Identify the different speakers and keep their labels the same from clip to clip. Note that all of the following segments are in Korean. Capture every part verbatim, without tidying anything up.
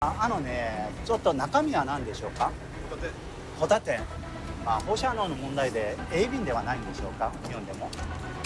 Speaker 1: ああのね、ちょっと中身は何でしょうか。ホタテ。まあ、放射能の問題で鋭敏ではないんでしょうか、日本でも。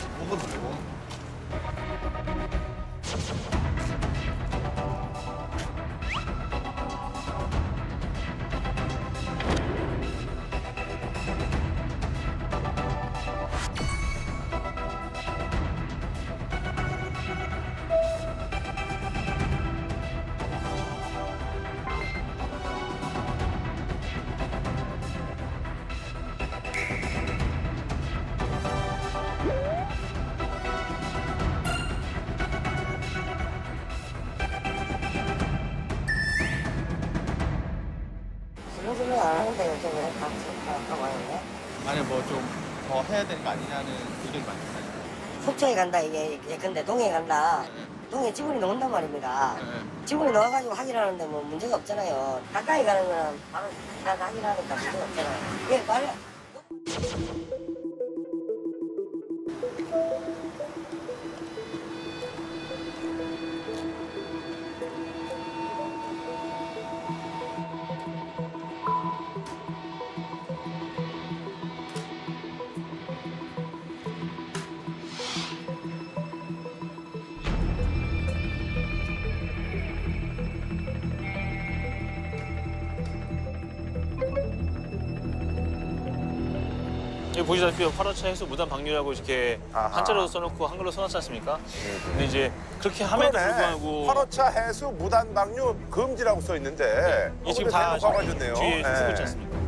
Speaker 2: 요즘은 안 하는데 요즘에 같이 하고 하는데
Speaker 3: 아니 뭐 좀 더 해야 되는 거 아니냐는 의견이 많잖아요.
Speaker 2: 속초에 간다 이게 예컨대 동해 간다 동해 지분이 나온단 말입니다. 지분이 나와가지고 확인하는데 뭐 문제가 없잖아요. 가까이 가는 거는 바로 지나가 확인하니까 문제가 없잖아요. 예, 말
Speaker 4: 여기 보시다시피 화로차 해수 무단 방류라고 이렇게
Speaker 5: 아하.
Speaker 4: 한자로 써놓고 한글로 써놨지 않습니까? 근데 이제 그렇게 함에도
Speaker 5: 그러네.
Speaker 4: 불구하고
Speaker 5: 화로차 해수 무단 방류 금지라고 써 있는데.
Speaker 4: 이게 지금
Speaker 5: 어,
Speaker 4: 다
Speaker 5: 근데 대놓고 가졌네요.
Speaker 4: 뒤에
Speaker 5: 예.
Speaker 4: 쓰고 있지 않습니까?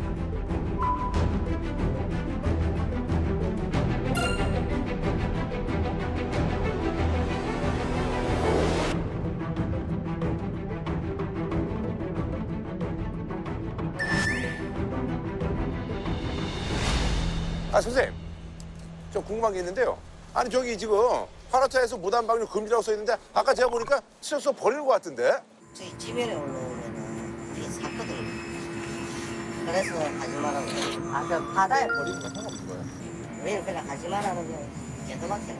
Speaker 5: 아 선생님, 저 궁금한 게 있는데요. 아니 저기 지금 화로차에서 무단 방류 금지라고 써 있는데 아까 제가 보니까 수저서 버리는 것 같은데.
Speaker 2: 저희 지면에 올라오면은 우리 샀거든요. 그래서 가지 말라고 그래요. 아, 저 바다에
Speaker 3: 버리는 건 상관없는 거예요?
Speaker 2: 우리는 그냥 가지 말라는 게 개도밖에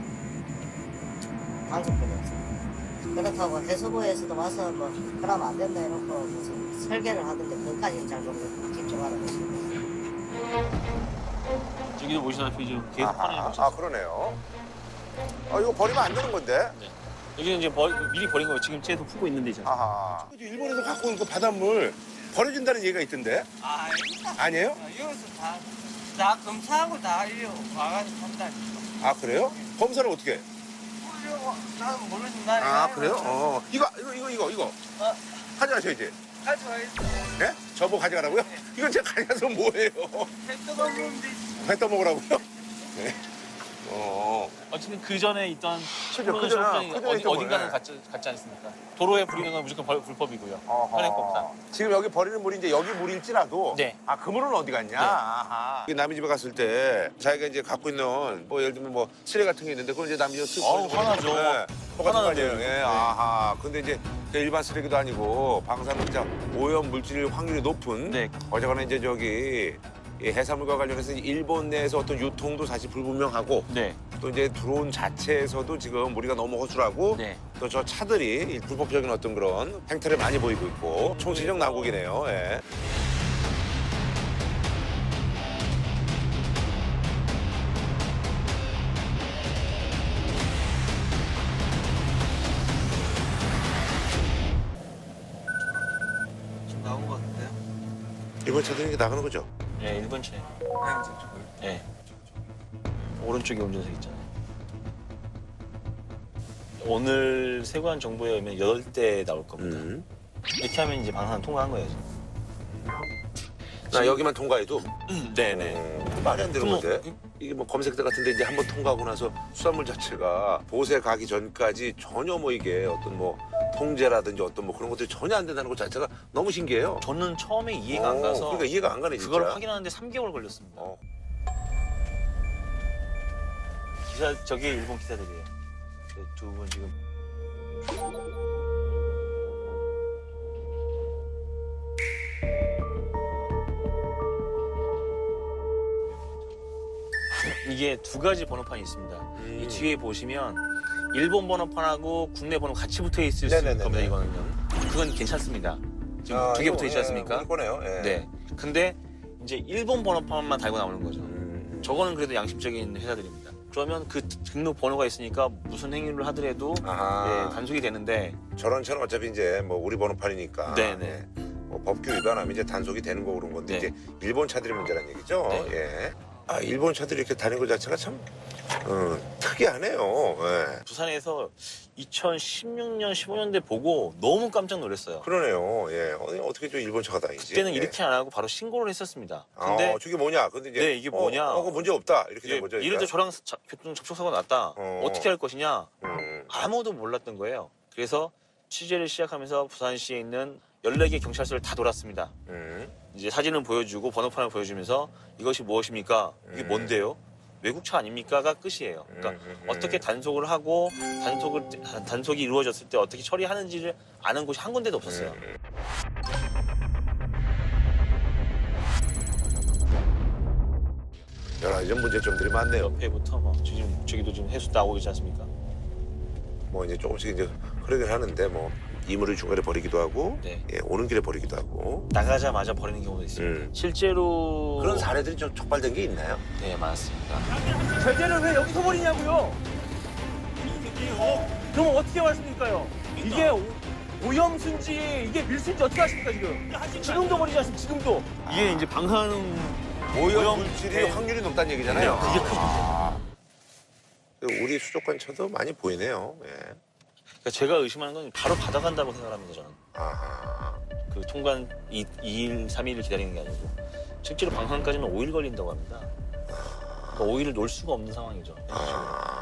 Speaker 2: 방송뿐이 없어요. 그렇다고 해수부에서도 와서 뭐 그러면 안 된다 해놓고 무슨 설계를 하던데 그것까지는 잘 모르고 집중하는 거죠.
Speaker 4: 여기도 보시다시피 지금 계속
Speaker 5: 아하,
Speaker 4: 화로에
Speaker 5: 아
Speaker 4: 걸쳤어요.
Speaker 5: 그러네요. 아 이거 버리면 안 되는 건데.
Speaker 4: 네. 여기는 이제 버, 미리 버린 거예요. 지금 쟤도 푸고 있는데 이제.
Speaker 5: 아하. 일본에서 갖고 온 그 바닷물 버려준다는 얘기가 있던데.
Speaker 6: 아,
Speaker 5: 아니에요?
Speaker 6: 여기서 다, 다 검사하고 다 이거 와가지고 한다니까.
Speaker 5: 아 그래요? 검사를 어떻게 해?
Speaker 6: 이거 나는 모르지, 나는.
Speaker 5: 아 그래요? 어. 이거 이거 이거 이거 이거.
Speaker 6: 어,
Speaker 5: 가져가셔야지.
Speaker 6: 가져와 있어.
Speaker 5: 네? 저보고 가져가라고요? 이건 제가 가져가서 뭐예요?
Speaker 6: 택도가 없는데.
Speaker 5: 회 떠먹으라고요? 네. 어.
Speaker 4: 어쨌든 그 전에 있던
Speaker 5: 그죠,
Speaker 4: 프로는
Speaker 5: 그전에,
Speaker 4: 수업장이
Speaker 5: 그전에
Speaker 4: 어디,
Speaker 5: 있던
Speaker 4: 어딘가는
Speaker 5: 거네.
Speaker 4: 같지, 같지 않습니까? 도로에 버리는 건 무조건 벌- 불법이고요.
Speaker 5: 어허.
Speaker 4: 현행법상.
Speaker 5: 지금 여기 버리는 물이 이제 여기 물일지라도
Speaker 4: 네.
Speaker 5: 아 그 물은 어디 갔냐?
Speaker 4: 네.
Speaker 5: 아하. 남의 집에 갔을 때 자기가 이제 갖고 있는 뭐 예를 들면 뭐 쓰레 같은 게 있는데 그걸 이제 남의 집에 쓱
Speaker 4: 어우,
Speaker 5: 버리는
Speaker 4: 화나죠.
Speaker 5: 거죠. 네. 똑같은 거
Speaker 4: 화나는데요,
Speaker 5: 아니에요.
Speaker 4: 이거.
Speaker 5: 예.
Speaker 4: 네.
Speaker 5: 아하. 근데 이제 그 일반 쓰레기도 아니고 방사능자 오염 물질 확률이 높은
Speaker 4: 네.
Speaker 5: 어쨌거나 이제 저기 이 해산물과 관련해서 일본 내에서 어떤 유통도 사실 불분명하고
Speaker 4: 네.
Speaker 5: 또 이제 드론 자체에서도 지금 우리가 너무 허술하고
Speaker 4: 네.
Speaker 5: 또 저 차들이 이 불법적인 어떤 그런 행태를 많이 보이고 있고 총체적 난국이네요. 예.
Speaker 6: 지금 나온 것 같은데요?
Speaker 5: 이번 차들이 이렇게 나가는 거죠?
Speaker 4: 네, 일본 차에.
Speaker 6: 하얀색 쪽을.
Speaker 4: 네. 오른쪽에 운전석 있잖아요. 오늘 세관 정보에 의하면 여덟 대 나올 겁니다.
Speaker 5: 음.
Speaker 4: 이렇게 하면 이제 방산 통과한 거예요. 지금.
Speaker 5: 나 여기만 통과해도
Speaker 4: 네네.
Speaker 5: 어, 말이 안 되는
Speaker 4: 그럼
Speaker 5: 건데
Speaker 4: 뭐,
Speaker 5: 이게 뭐 검색대 같은데 이제 한번 통과하고 나서 수산물 자체가 보세 가기 전까지 전혀 뭐 이게 어떤 뭐 통제라든지 어떤 뭐 그런 것들이 전혀 안 된다는 것 자체가 너무 신기해요.
Speaker 4: 저는 처음에 이해가 안
Speaker 5: 어,
Speaker 4: 가서
Speaker 5: 그러니까 이해가 안 가네 진짜.
Speaker 4: 그걸 확인하는데 삼 개월 걸렸습니다.
Speaker 5: 어.
Speaker 4: 기사 저기 일본 기사들이에요. 두 분 지금. 이게 두 가지 번호판이 있습니다.
Speaker 5: 음.
Speaker 4: 이 뒤에 보시면 일본 번호판하고 국내 번호 같이 붙어 있을 수 있는
Speaker 5: 네네네네.
Speaker 4: 겁니다. 이거는요. 그건 괜찮습니다. 지금
Speaker 5: 아,
Speaker 4: 두 개
Speaker 5: 이거,
Speaker 4: 붙어 있지
Speaker 5: 예,
Speaker 4: 않습니까?
Speaker 5: 우리 거네요. 예.
Speaker 4: 네. 근데 이제 일본 번호판만 달고 나오는 거죠.
Speaker 5: 음.
Speaker 4: 저거는 그래도 양심적인 회사들입니다. 그러면 그 등록 번호가 있으니까 무슨 행위를 하더라도
Speaker 5: 아하.
Speaker 4: 예, 단속이 되는데
Speaker 5: 저런 차는 어차피 이제 뭐 우리 번호판이니까.
Speaker 4: 네네.
Speaker 5: 예. 뭐 법규 위반하면 이제 단속이 되는 거고 그런 건데
Speaker 4: 네.
Speaker 5: 이제 일본 차들이 문제라는 얘기죠.
Speaker 4: 네.
Speaker 5: 예. 아 일본 차들이 이렇게 다니는 것 자체가 참 어, 특이하네요. 예.
Speaker 4: 부산에서 이천십육 년, 십오 년대 보고 너무 깜짝 놀랐어요.
Speaker 5: 그러네요. 예. 어, 어떻게 저 일본 차가 다니지?
Speaker 4: 그때는
Speaker 5: 예.
Speaker 4: 이렇게 안 하고 바로 신고를 했었습니다. 근데
Speaker 5: 아, 저게 뭐냐? 근데 이제
Speaker 4: 네, 이게 뭐냐?
Speaker 5: 어, 어, 문제 없다. 이렇게 된
Speaker 4: 예,
Speaker 5: 거죠.
Speaker 4: 예를 들어 저랑 자- 교통 접촉사고 났다.
Speaker 5: 어.
Speaker 4: 어. 떻게 할 것이냐?
Speaker 5: 음.
Speaker 4: 아무도 몰랐던 거예요. 그래서 취재를 시작하면서 부산시에 있는 열네 개 경찰서를 다 돌았습니다.
Speaker 5: 음.
Speaker 4: 이제 사진을 보여주고 번호판을 보여주면서 이것이 무엇입니까? 이게
Speaker 5: 음.
Speaker 4: 뭔데요? 외국차 아닙니까가 끝이에요. 그러니까
Speaker 5: 음, 음, 음.
Speaker 4: 어떻게 단속을 하고 단속을 단- 단속이 이루어졌을 때 어떻게 처리하는지를 아는 곳이 한 군데도 없었어요.
Speaker 5: 음. 여러 가지 좀 문제점들이 많네요.
Speaker 4: 옆에부터 뭐 지금 저기도 지금 해수 나오고 있지 않습니까?
Speaker 5: 뭐 이제 조금씩 이제 흐르긴 하는데 뭐 이물을 중간에 버리기도 하고
Speaker 4: 네.
Speaker 5: 예, 오는 길에 버리기도 하고
Speaker 4: 나가자마자 버리는 경우도 있습니다.
Speaker 5: 음.
Speaker 4: 실제로
Speaker 5: 그런 사례들이 좀 촉발된 게 있나요?
Speaker 4: 네 많습니다.
Speaker 7: 제재를 왜 여기서 버리냐고요? 그럼 어떻게 말씀드릴까요? 이게 오- 오염수인지 이게 밀수인지 어떻게 아십니까 지금? 지금도 버리지 않습니까? 지금도.
Speaker 4: 이게 이제 방사능
Speaker 5: 오염
Speaker 4: 오염
Speaker 5: 물질이
Speaker 4: 네.
Speaker 5: 확률이 높다는 얘기잖아요.
Speaker 4: 네, 그게 큰
Speaker 5: 아. 우리 수족관차도 많이 보이네요. 예.
Speaker 4: 그러니까 제가 의심하는 건 바로 받아간다고 생각합니다 저는.
Speaker 5: 아하.
Speaker 4: 그 통관 이 일, 삼 일을 기다리는 게 아니고 실제로 방한까지는 오 일 걸린다고 합니다. 그러니까 오 일을 놀 수가 없는 상황이죠.
Speaker 5: 아.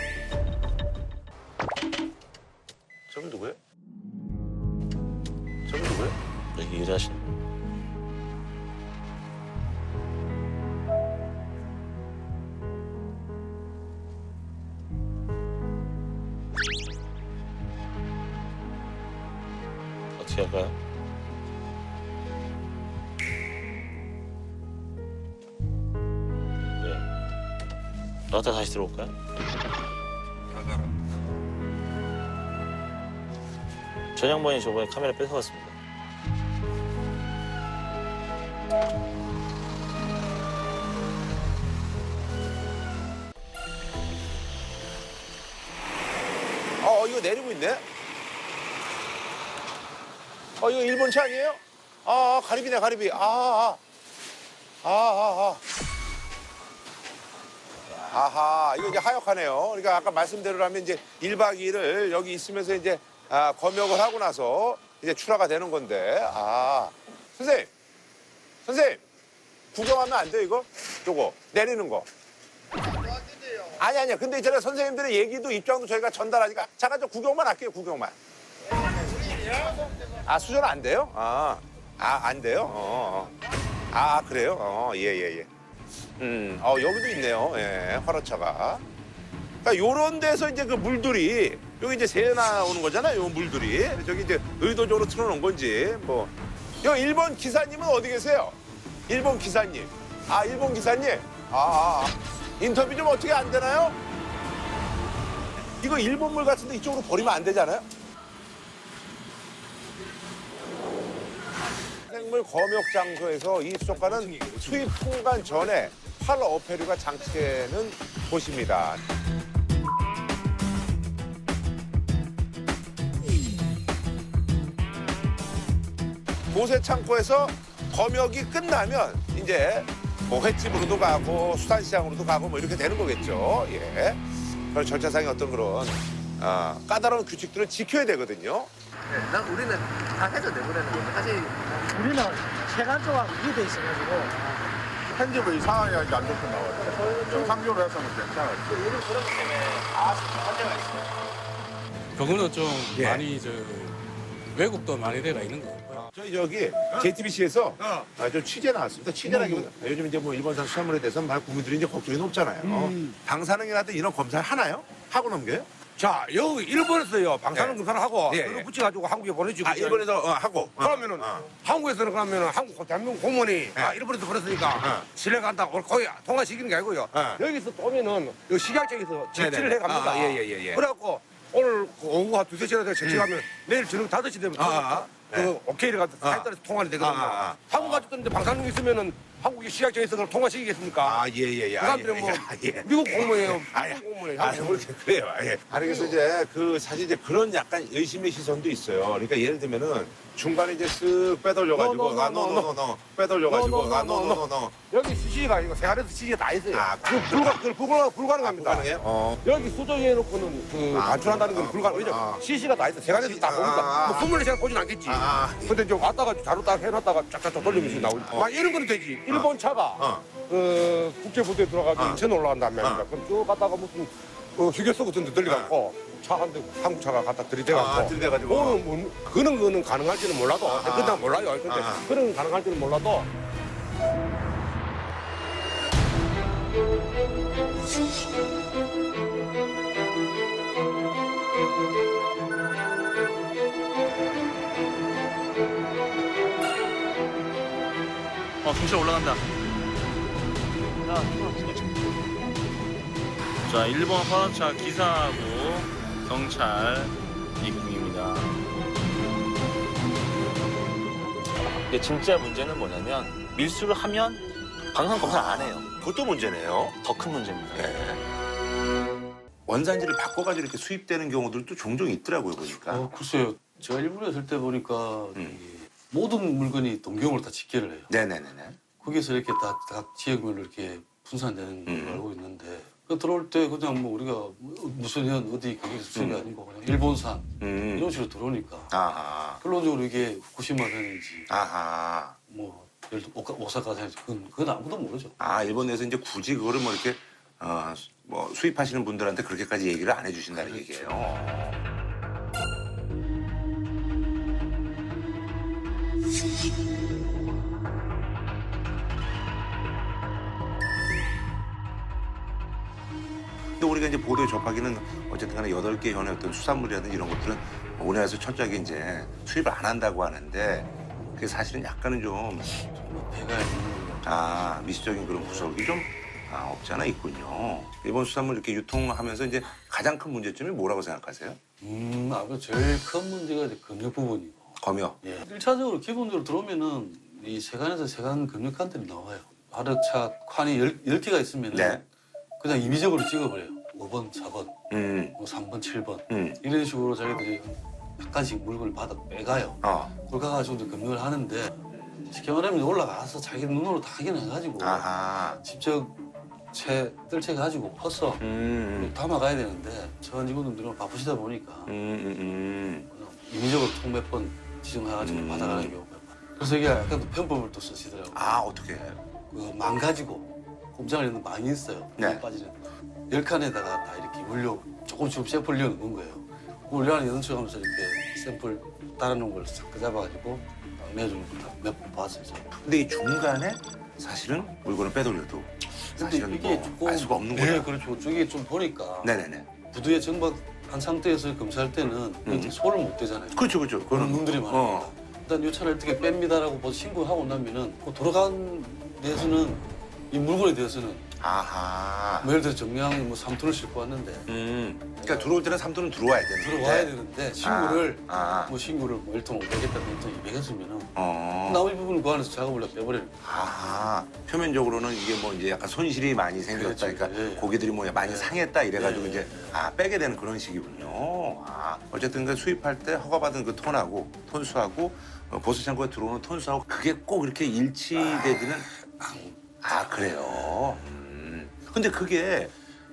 Speaker 5: 저분 누구예요? 저분 누구예요?
Speaker 4: 여기 일하시는 어떻게 할까요? 네. 나갔다 다시 들어올까요? 전 양반이 저번에 카메라 뺏어갔습니다.
Speaker 5: 어, 이거 내리고 있네? 어, 이거 일본 차 아니에요? 아, 아 가리비네, 가리비. 아, 아. 아, 아, 아. 아하, 이거 이제 하역하네요. 그러니까 아까 말씀대로라면 이제 일 박 이 일을 여기 있으면서 이제 아, 검역을 하고 나서 이제 출하가 되는 건데. 아. 선생님! 선생님! 구경하면 안 돼요, 이거? 요거. 내리는 거. 아니, 아니요. 근데 있잖아요. 선생님들의 얘기도 입장도 저희가 전달하니까 잠깐 좀 구경만 할게요, 구경만. 아, 수전 안 돼요? 아, 아, 안 돼요? 어, 어. 아, 그래요? 어, 예, 예, 예. 음, 어, 여기도 있네요. 예, 화로차가. 그러니까 요런 데서 이제 그 물들이, 여기 이제 새 나오는 거잖아요, 요 물들이. 저기 이제 의도적으로 틀어놓은 건지, 뭐. 요 일본 기사님은 어디 계세요? 일본 기사님. 아, 일본 기사님? 아, 아, 아. 인터뷰 좀 어떻게 안 되나요? 이거 일본 물 같은데 이쪽으로 버리면 안 되잖아요? 생물 검역 장소에서 이 수족관은 수입 통관 전에 팔 어패류가 장치되는 곳입니다. 보세 창고에서 검역이 끝나면 이제 뭐 횟집으로도 가고 수산시장으로도 가고 뭐 이렇게 되는 거겠죠. 예. 그런 절차상의 어떤 그런 아, 까다로운 규칙들을 지켜야 되거든요.
Speaker 3: 네, 난 우리는 다 해서 내보내는 건데 사실
Speaker 7: 우리는 체감조가 이게 돼 있어가지고
Speaker 8: 편집을 이상하게 하니까 안 좋게 나와요. 정상적으로 해서는 괜찮아요.
Speaker 9: 그거는 좀
Speaker 5: 예.
Speaker 9: 많이 저 왜곡도 많이 돼가 있는 것 같고요.
Speaker 5: 저희 저기 제이티비씨에서 아, 저 취재 나왔습니다. 취재라기보다 요즘 이제 뭐 일본산 수산물에 대해서 막 국민들이 이제 걱정이 높잖아요. 방사능이나 이런 검사를 하나요? 하고 넘겨요?
Speaker 10: 자, 여기 일본에서요, 방사능
Speaker 5: 예.
Speaker 10: 검사를 하고,
Speaker 5: 예,
Speaker 10: 그걸
Speaker 5: 예.
Speaker 10: 붙여가지고 한국에 보내주고.
Speaker 5: 아 일본에서 어, 하고 어.
Speaker 10: 그러면은,
Speaker 5: 어.
Speaker 10: 한국에서는 그러면은 한국 대한민국 공무원이, 아, 일본에서 그랬으니까,
Speaker 5: 어.
Speaker 10: 신뢰간다, 거의 통화시키는 게 아니고요.
Speaker 5: 어.
Speaker 10: 여기서 또 오면은, 여기 식약청에서 채취를
Speaker 5: 네네.
Speaker 10: 해갑니다.
Speaker 5: 아, 예, 예, 예, 예.
Speaker 10: 그래갖고, 오늘 그 오후 한 두세 시에 채취하면 내일 저녁 다섯 시 되면
Speaker 5: 아, 아.
Speaker 10: 그
Speaker 5: 네.
Speaker 10: 오케이를 갖다 사에 따라서 통화를 되거든요.
Speaker 5: 아, 아, 아.
Speaker 10: 한국 가졌는데 방사능 있으면은 한국이 시각장에서 그걸 통화시키겠습니까?
Speaker 5: 아, 예, 예, 예.
Speaker 10: 그 사람들은 뭐
Speaker 5: 아, 예.
Speaker 10: 미국 공무원이에요.
Speaker 5: 아, 예.
Speaker 10: 미국 공무원이에요.
Speaker 5: 아,
Speaker 10: 한국
Speaker 5: 그렇게 그래요. 예. 아니 그래서 이제 그 사실 이제 그런 약간 의심의 시선도 있어요. 그러니까 예를 들면은 중간에 이제 쓱 빼돌려가지고
Speaker 10: No, no, no,
Speaker 5: 아,
Speaker 10: no,
Speaker 5: 노노노노 빼돌려가지고
Speaker 10: No, no, no,
Speaker 5: 아,
Speaker 10: no, no.
Speaker 5: 노노노노
Speaker 10: 여기 시시가 이거 세안에서 시시가 다 있어요.
Speaker 5: 아,
Speaker 10: 그 불가, 그 불가, 불가능합니다.
Speaker 5: 가능해요? 어.
Speaker 10: 여기 수정해놓고는 그
Speaker 5: 아,
Speaker 10: 반출한다는 건
Speaker 5: 아,
Speaker 10: 불가능. 왜냐
Speaker 5: 아.
Speaker 10: 시시가 다 있어. 세안에서 다
Speaker 5: 아,
Speaker 10: 보니까
Speaker 5: 아,
Speaker 10: 뭐 스물네 시간 보진 않겠지.
Speaker 5: 아, 아.
Speaker 10: 근데 이제 왔다가 자루 딱 해놨다가 쫙쫙쫙 돌리면서 나오지. 막 이런 거는 되지. 일본 차가
Speaker 5: 어.
Speaker 10: 그 국제부대에 들어가서
Speaker 5: 어.
Speaker 10: 인천 올라간단 말입니다.
Speaker 5: 어.
Speaker 10: 그럼 쭉 갔다가 무슨 그 휴게소 같은 데 들려갖고 차 한 대 한국 차가 갖다 들이대갖고
Speaker 5: 아, 들이대가지고.
Speaker 10: 그거는 뭐, 그는 그는 가능할지는 몰라도 그냥 몰라요. 근데
Speaker 5: 아.
Speaker 10: 그는 가능할지는 몰라도
Speaker 4: 어, 경찰 올라간다. 자, 일본 화물차 기사하고 경찰 입국입니다. 근데 진짜 문제는 뭐냐면 밀수를 하면 방사능 검사 안 해요.
Speaker 5: 그것도 문제네요.
Speaker 4: 더 큰 문제입니다.
Speaker 5: 원산지를 바꿔가지고 이렇게 수입되는 경우들도 종종 있더라고요 보니까.
Speaker 9: 어, 글쎄요. 제가 일본에 있을 때 보니까
Speaker 5: 음.
Speaker 9: 이 모든 물건이 동경으로 다 집계를 해요.
Speaker 5: 네네네네.
Speaker 9: 거기서 이렇게 다 각 지역별로 이렇게 분산되는 걸로
Speaker 5: 음.
Speaker 9: 알고 있는데 그 들어올 때 그냥 뭐 우리가 무슨 현 어디 거기 수출이
Speaker 5: 음.
Speaker 9: 아니고 그냥 일본산
Speaker 5: 음.
Speaker 9: 이런 식으로 들어오니까
Speaker 5: 아하.
Speaker 9: 결론적으로 이게 후쿠시마산인지
Speaker 5: 아하.
Speaker 9: 뭐 예를 들어 오카- 오사카산인지 그건, 그건 아무도 모르죠.
Speaker 5: 아 일본 내에서 이제 굳이 그거를 뭐 이렇게 어, 뭐 수입하시는 분들한테 그렇게까지 얘기를 안 해주신다는
Speaker 9: 그렇죠.
Speaker 5: 얘기예요. 근데 우리가 이제 보도에 접하기는 어쨌든 간에 여덟 개 현의 어떤 수산물이라든지 이런 것들은 우리나라에서 철저하게 이제 수입을 안 한다고 하는데 그게 사실은 약간은 좀
Speaker 9: 뭐 배가 있는 걸로.
Speaker 5: 아, 미시적인 그런 구석이 좀 아, 없지 않아 있군요. 일본 수산물 이렇게 유통하면서 이제 가장 큰 문제점이 뭐라고 생각하세요?
Speaker 9: 음, 아무래도 제일 큰 문제가 이제 금융 부분이고.
Speaker 5: 검역.
Speaker 9: 예. 일차적으로 기본적으로 들어오면은 이 세관에서 세관 금융칸들이 나와요. 하루차 칸이 열, 열 개가 있으면은
Speaker 5: 네.
Speaker 9: 그냥 임의적으로 찍어버려요. 오 번, 사 번,
Speaker 5: 음,
Speaker 9: 뭐 삼 번, 칠 번.
Speaker 5: 음,
Speaker 9: 이런 식으로 자기들이 약간씩 물건을 받아 빼가요.
Speaker 5: 어,
Speaker 9: 그걸 가가지고 이제 금융을 하는데 쉽게 말하면 올라가서 자기 눈으로 다 확인해가지고
Speaker 5: 아하,
Speaker 9: 직접 채 뜰채가지고 퍼서
Speaker 5: 음,
Speaker 9: 담아가야 되는데 저 직원들은 바쁘시다 보니까
Speaker 5: 음, 음, 음,
Speaker 9: 그냥 임의적으로 총 몇 번 지정해가지고
Speaker 5: 음.
Speaker 9: 받아가는 경우가 많아요. 그래서 이게 약간 또 편법을 또 쓰시더라고요.
Speaker 5: 아, 어떻게?
Speaker 9: 그 망가지고 꼼장을 있는 망이 있어요.
Speaker 5: 네.
Speaker 9: 빠지는 열 칸에다가 다 이렇게 물려 조금씩 샘플 넣는 거예요. 우리 안에 연습하면서 이렇게 샘플 따라놓은 걸 싹 잡아가지고 딱 내주는 걸몇 번 봤어요. 저는.
Speaker 5: 근데 이 중간에 사실은 물건을 빼돌려도 사실은
Speaker 9: 이게
Speaker 5: 뭐 알 수가 없는
Speaker 9: 네,
Speaker 5: 거야.
Speaker 9: 그렇죠. 저게 좀 보니까
Speaker 5: 네네네.
Speaker 9: 부두에 정박한 상태에서 검사할 때는
Speaker 5: 음.
Speaker 9: 손을 못 대잖아요.
Speaker 5: 그렇죠, 그렇죠.
Speaker 9: 그런 놈들이 많으니까.
Speaker 5: 어.
Speaker 9: 일단 이 차를 어떻게 뺍니다라고 뭐 신고하고 나면은 그 돌아간 데에서는 이 물건에 대해서는
Speaker 5: 아하.
Speaker 9: 뭐 예를 들어 정량이 뭐 삼 톤을 싣고 왔는데
Speaker 5: 음. 그러니까 들어올 때는 삼 톤은 들어와야 되는데.
Speaker 9: 들어와야 되는데 신고를
Speaker 5: 아.
Speaker 9: 뭐 신고를 뭐 일 톤 오백 했다, 일 톤 이백 했으면은
Speaker 5: 어.
Speaker 9: 나머지 부분은 그 안에서 작업을 다 빼버리는 거예요.
Speaker 5: 아, 표면적으로는 이게 뭐 이제 약간 손실이 많이 생겼다.
Speaker 9: 그렇죠.
Speaker 5: 그러니까
Speaker 9: 예, 예.
Speaker 5: 고기들이 뭐 많이
Speaker 9: 예.
Speaker 5: 상했다 이래가지고
Speaker 9: 예,
Speaker 5: 이제
Speaker 9: 예.
Speaker 5: 아 빼게 되는 그런 식이군요. 아, 어쨌든 그 수입할 때 허가받은 그 톤하고 톤수하고 어, 보수창고에 들어오는 톤수하고 그게 꼭 이렇게 일치되지는 아 그래요. 음. 근데 그게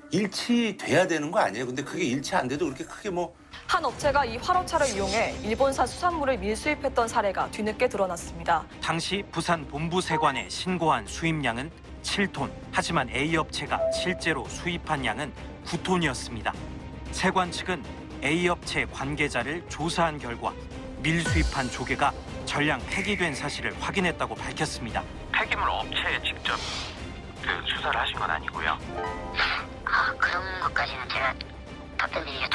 Speaker 5: 일치돼야 되는 거 아니에요? 근데 그게 일치 안 돼도 그렇게 크게 뭐
Speaker 11: 한 업체가 이 화로차를 이용해 일본산 수산물을 밀수입했던 사례가 뒤늦게 드러났습니다.
Speaker 12: 당시 부산 본부 세관에 신고한 수입량은 칠 톤. 하지만 A 업체가 실제로 수입한 양은 구 톤이었습니다. 세관 측은 A 업체 관계자를 조사한 결과 밀수입한 조개가 전량 폐기된 사실을 확인했다고 밝혔습니다.
Speaker 13: 폐기물 업체에 직접 그 수사를 하신 건 아니고요.
Speaker 2: 아, 그런 것까지는 제가 답변드리겠다.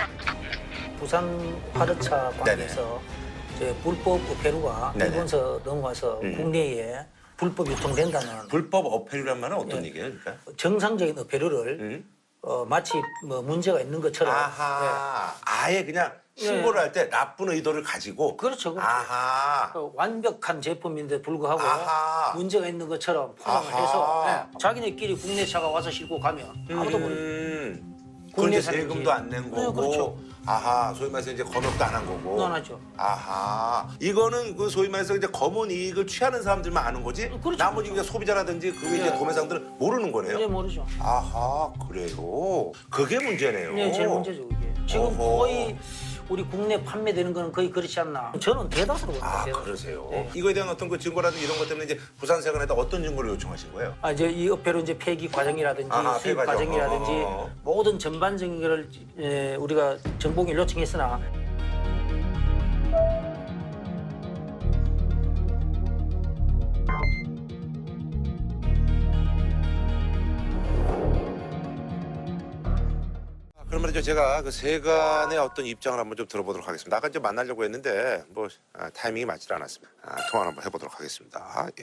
Speaker 14: 부산 화르차 관에서 이제 불법 어패류가
Speaker 5: 네네.
Speaker 14: 일본서 넘어와서
Speaker 5: 음.
Speaker 14: 국내에 불법 유통된다는
Speaker 5: 불법 어패류란 말은 어떤
Speaker 14: 예.
Speaker 5: 얘기예요? 그러니까?
Speaker 14: 정상적인 어패류를
Speaker 5: 음?
Speaker 14: 어, 마치 뭐 문제가 있는 것처럼
Speaker 5: 아하. 아예 그냥 신고를 할 때 나쁜 의도를 가지고.
Speaker 14: 그렇죠. 그렇죠.
Speaker 5: 아하.
Speaker 14: 그 완벽한 제품인데 불구하고
Speaker 5: 아하.
Speaker 14: 문제가 있는 것처럼 포장을
Speaker 5: 아하.
Speaker 14: 해서 예, 자기네끼리 국내 차가 와서 싣고 가면 아무도 모르.
Speaker 5: 음. 그건
Speaker 14: 국내
Speaker 5: 이제
Speaker 14: 사람이지.
Speaker 5: 세금도 안 낸 거고.
Speaker 14: 네, 그렇죠.
Speaker 5: 아하, 소위 말해서 이제 검역도 안 한 거고.
Speaker 14: 안 하죠.
Speaker 5: 아하, 이거는 그 소위 말해서 이제 검은 이익을 취하는 사람들만 아는 거지.
Speaker 14: 그렇죠,
Speaker 5: 나머지 이제 소비자라든지 그 이제
Speaker 14: 네.
Speaker 5: 도매상들은 모르는 거네요.
Speaker 14: 이제 모르죠.
Speaker 5: 아하, 그래요. 그게 문제네요.
Speaker 14: 네, 제일 문제죠 그게. 지금
Speaker 5: 어허.
Speaker 14: 거의 우리 국내 판매되는 거는 거의 그렇지 않나. 저는 대다수로 봅니다.
Speaker 5: 아,
Speaker 14: 대다수.
Speaker 5: 그러세요.
Speaker 14: 네.
Speaker 5: 이거에 대한 어떤 그 증거라든지 이런 것 때문에 이제 부산세관에다 어떤 증거를 요청하신 거예요?
Speaker 14: 아, 이제 이 업회로 이제 폐기 과정이라든지
Speaker 5: 아하,
Speaker 14: 수입
Speaker 5: 폐기 과정.
Speaker 14: 과정이라든지
Speaker 5: 어허.
Speaker 14: 모든 전반적인 걸 에, 우리가 정보를 요청했으나
Speaker 5: 그럼 말이죠. 제가 그 세간의 어떤 입장을 한번 좀 들어보도록 하겠습니다. 아까 이제 만나려고 했는데 뭐 아, 타이밍이 맞질 않았습니다. 아, 통화를 한번 해보도록 하겠습니다. 예.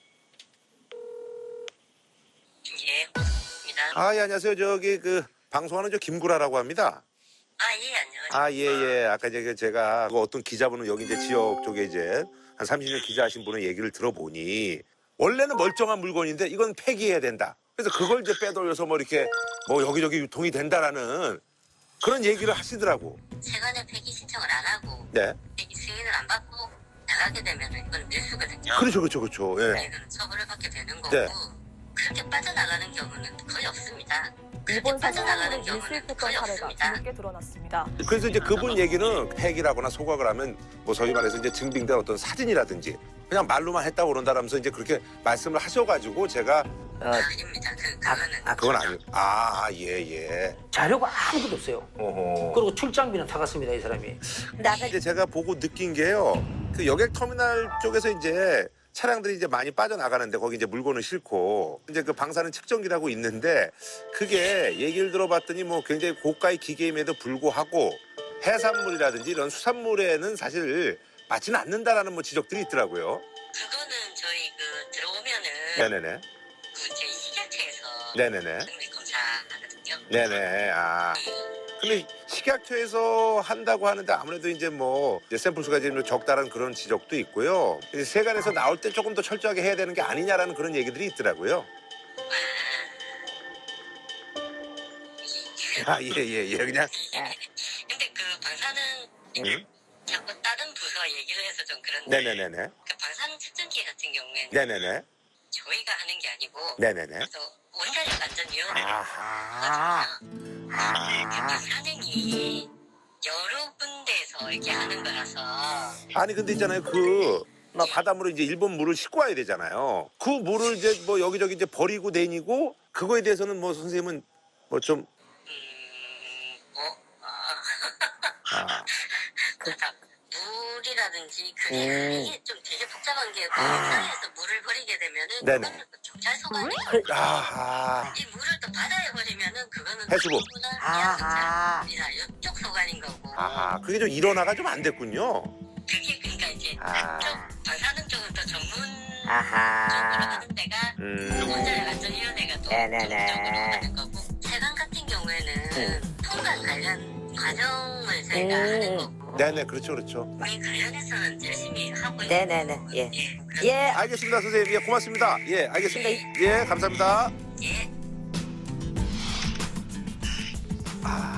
Speaker 2: 예, 고맙습니다.
Speaker 5: 아, 예, 안녕하세요. 저기 그 방송하는 저 김구라라고 합니다.
Speaker 2: 아, 예, 안녕하세요.
Speaker 5: 아, 예, 예. 아까 이제 그 제가 그 어떤 기자분은 여기 이제 지역 쪽에 이제 한 삼십 년 기자하신 분의 얘기를 들어보니 원래는 멀쩡한 물건인데 이건 폐기해야 된다. 그래서 그걸 이제 빼돌려서 뭐 이렇게 뭐 여기저기 유통이 된다라는 그런 얘기를 하시더라고.
Speaker 2: 세관에 폐기 신청을 안 하고
Speaker 5: 네.
Speaker 2: 폐기 승인을 안 받고 나가게 되면 이건 밀수거든요.
Speaker 5: 그렇죠, 그렇죠, 그렇죠. 예.
Speaker 2: 이거는 처벌을 받게 되는 거고
Speaker 5: 네.
Speaker 2: 그렇게 빠져나가는 경우는 거의 없습니다.
Speaker 11: 일본산
Speaker 2: 빠져나가는
Speaker 11: 수산물을
Speaker 2: 경우는
Speaker 11: 밀수입했던
Speaker 2: 거의
Speaker 11: 사례가
Speaker 2: 없습니다.
Speaker 11: 뒤늦게 드러났습니다.
Speaker 5: 그래서 이제 그분 얘기는 폐기라거나 소각을 하면 뭐 소위 말해서 이제 증빙된 어떤 사진이라든지 그냥 말로만 했다고 그런다라면서 이제 그렇게 말씀을 하셔가지고 제가
Speaker 2: 아, 아닙니다. 그, 그거는
Speaker 5: 아, 그건 아니에요. 아, 예, 예.
Speaker 14: 자료가 아무것도 없어요.
Speaker 5: 어허.
Speaker 14: 그리고 출장비는 타갔습니다 이 사람이.
Speaker 2: 근데 아까
Speaker 5: 이제 제가 보고 느낀 게요. 그 여객 터미널 쪽에서 이제 차량들이 이제 많이 빠져나가는데 거기 이제 물건을 싣고 이제 그 방사능 측정기라고 있는데 그게 얘기를 들어봤더니 뭐 굉장히 고가의 기계임에도 불구하고 해산물이라든지 이런 수산물에는 사실 맞지는 않는다라는 뭐 지적들이 있더라고요.
Speaker 2: 그거는 저희 그 들어오면은
Speaker 5: 네네네.
Speaker 2: 그 저희 식약처에서
Speaker 5: 네네네.
Speaker 2: 정밀 검사하거든요.
Speaker 5: 네네. 아. 근데 식약처에서 한다고 하는데 아무래도 이제 뭐 이제 샘플 수가 좀 적다라는 그런 지적도 있고요. 이제 세관에서 나올 때 조금 더 철저하게 해야 되는 게 아니냐라는 그런 얘기들이 있더라고요. 아, 예, 예, 예. 그냥.
Speaker 2: 근데 그 방사능
Speaker 5: 음?
Speaker 2: 자꾸 다른 부서 얘기를 해서 좀 그런데
Speaker 5: 네네네네.
Speaker 2: 그 방사능 측정기 같은 경우에는
Speaker 5: 네네네.
Speaker 2: 저희가 하는 게 아니고
Speaker 5: 네네네.
Speaker 2: 그래서 원자력 안전위원회가
Speaker 5: 아하.
Speaker 2: 그
Speaker 5: 아.
Speaker 2: 방사능이 여러 군데에서 이렇게 하는 거라서
Speaker 5: 아니, 근데 있잖아요. 그, 막 바닷물을 이제 일본 물을 싣고 와야 되잖아요. 그 물을 이제 뭐 여기저기 이제 버리고 내니고 그거에 대해서는 뭐 선생님은 뭐 좀. 아.
Speaker 2: 그러니까 물이라든지 그게
Speaker 5: 음.
Speaker 2: 이게 좀 되게 복잡한 게
Speaker 5: 아.
Speaker 2: 바다에서 물을 버리게 되면은
Speaker 5: 네네.
Speaker 2: 그거는 경찰서관이
Speaker 5: 아하.
Speaker 2: 이 물을 또 바다에 버리면은 그거는
Speaker 5: 해수부.
Speaker 2: 아하. 이쪽 소관인 거고
Speaker 5: 아하. 그게 좀 일어나가 좀 안 됐군요.
Speaker 2: 그게 그러니까 이제
Speaker 5: 아.
Speaker 2: 쪽 방사능 쪽은 또 전문
Speaker 5: 아하.
Speaker 2: 쪽으로 하는 데가
Speaker 5: 음.
Speaker 2: 원자력 안전위원회가 또 전문적으로 하는 거고 세관 같은 경우에는 통관 관련 과정을 저희가 하는 거고
Speaker 5: 네네, 그렇죠, 그렇죠.
Speaker 2: 거기 관련해서는 열심히 하고 있는
Speaker 15: 네네네. 예.
Speaker 2: 예.
Speaker 15: 예.
Speaker 5: 알겠습니다, 선생님. 예, 고맙습니다. 예, 알겠습니다. 예, 감사합니다.
Speaker 2: 예.
Speaker 5: 아.